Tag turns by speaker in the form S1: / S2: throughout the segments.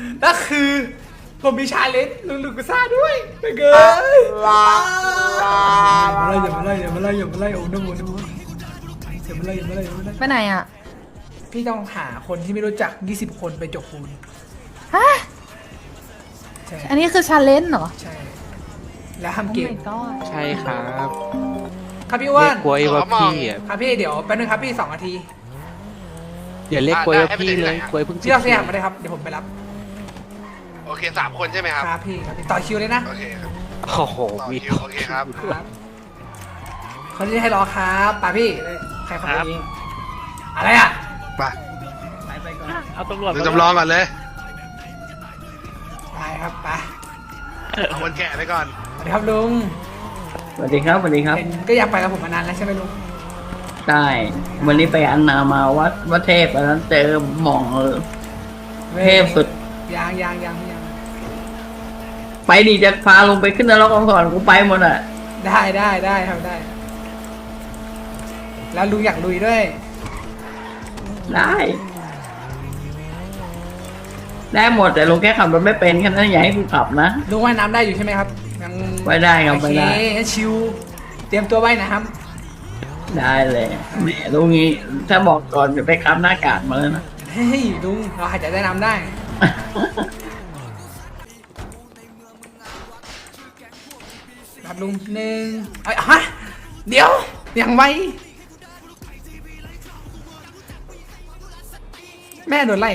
S1: แล้วคือผมมีชาเลนจ์ลุงลูกุซ่าด้วยไปเกินอย่ามาไล่โอ้น้ำมันอย่ามาไล่
S2: ไปไหนอ่ะ
S1: พี่ต้องหาคนที่ไม่รู้จัก20 คนไปจกปูน
S2: ฮะ
S1: ใช่
S2: อันนี้คือชาเลนจ์เหรอ
S1: ใช่แล้วทำ
S2: โอ้
S1: เกม
S2: my god
S3: ใช่ครับ
S1: ครับพี่อ้ว
S3: เรีย
S1: น
S3: กกล้วยว่าพี่อ่ะ
S1: ครับพี่เดี๋ยวแป๊บนึงครับพี่2 นาที
S3: อย่าเรียกกล้วยว่าพี่เลยกล้วยเพิ่ง
S1: พี่เอาสยามมาเลยครับเดี๋ยวผมไปรับ
S4: โอเค3 คนใช่ไหมครับ
S1: ครับพี่ต่อคิวเลยนะ
S4: โอเคครับ
S3: โอ้โห
S4: ต่อ
S3: มี
S4: คิวโอเคครับ
S1: ครับคนที่ให้รอครับป่าพี่ใครคนนี้อะไรอ่ะ
S4: ไป
S3: เอาตำรวจ
S4: ดูจำลองก่อนเลย
S1: ไปครับไป
S4: เอาคนแก่ไปก่อน
S1: สวัสดีครับลุง
S5: สวัสดีครับสวัสดีครับ
S1: เห็นก็อยากไปกับผมมานานแล้วใช่ไหมลุง
S5: ใช่วันนี้ไปอันนามาวัดเทพอันนั้นเจอหม่องเทพสุด
S1: ยัง
S5: ไปดีจะพาลงไปขึ้นนรกก่อนกูไปหมดอ่ะ
S1: ได้ทำได้ แล้วลุงอยากลุยด้วย
S5: ได้ได้หมดแต่ลงแค่ขับรถไม่เป็นแค่นั้นอย่าให้กูขับนะ
S1: ลุงว่ายน้ำได้อยู่ใช่ไหมครับยัง
S5: ว่ายได้ครับ
S1: โอ
S5: ว่าย
S1: เค
S5: ได้
S1: งั้นชิวเตรียมตัวว่ายน้
S5: ได้เลยแหมลุงนี้ถ้าบอกก่อนจะไปขับหน้ากากมาแล้วนะ
S1: ำเฮ้ยลุงเราหายใจได้น้ำได้ครับลุง1ฮะเดี๋ยวยังไวแม่โดนไล่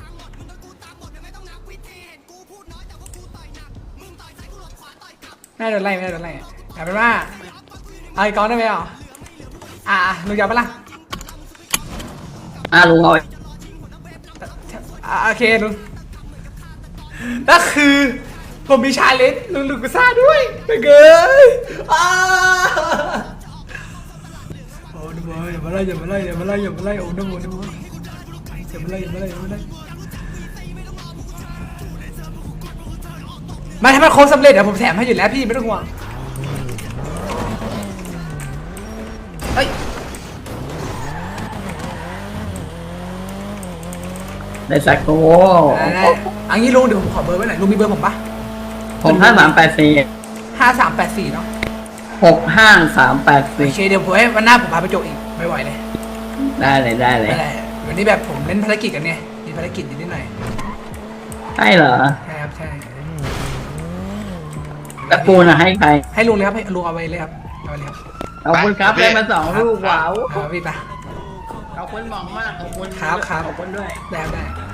S1: แม่โดนไล่แต่เป็นว่าเอาอีกก้อนได้ไหมลุงยาวปะล่ะ
S5: ลุงเอา
S1: โอเคลุงแล้วคือผมมีชาเลนจ์ลุงลูกุซ่าด้วยไปเกินโอ้น้ำมันอย่ามาไล่โอ้น้ำมันอย่ามาไล่มาถ้ามันโค้งสำเร็จเดี๋ยวผมแถมให้อยู่แล้วพี่ไม่ต้องห่วงเฮ้ย
S5: ในสักโก้
S1: ได้อันนี้ลุงเดี๋ยวผมขอเบอร์ไว้หน่อยลุงมีเบอร์ผมปะ
S5: 6384
S1: 5384เนาะ
S5: 65384
S1: โอเคเดี๋ยวผมให้วันหน้าผมพาไปโจกอีกไม่ไหวเลย
S5: ได้เลย
S1: อะไรวันนี้แบบผมเล่นภารกิจกันไงมีภารกิจนิดหน่อย
S5: ใช่เหรอ
S1: ใช่ครับใช่
S5: แล้วปูน่ะให้ใคร
S1: ให้ลุงเลยครับให้ลุงเอาไปเลยครับเอาไปเลยครับ
S5: ขอบคุณครับ
S4: ไป
S5: ได้มา2 ลูกว้าว
S1: พี่ปะ
S5: ขอบคุณหมองมากขอบคุณ
S1: ครับ
S5: ขอบคุณด้วย
S1: ได้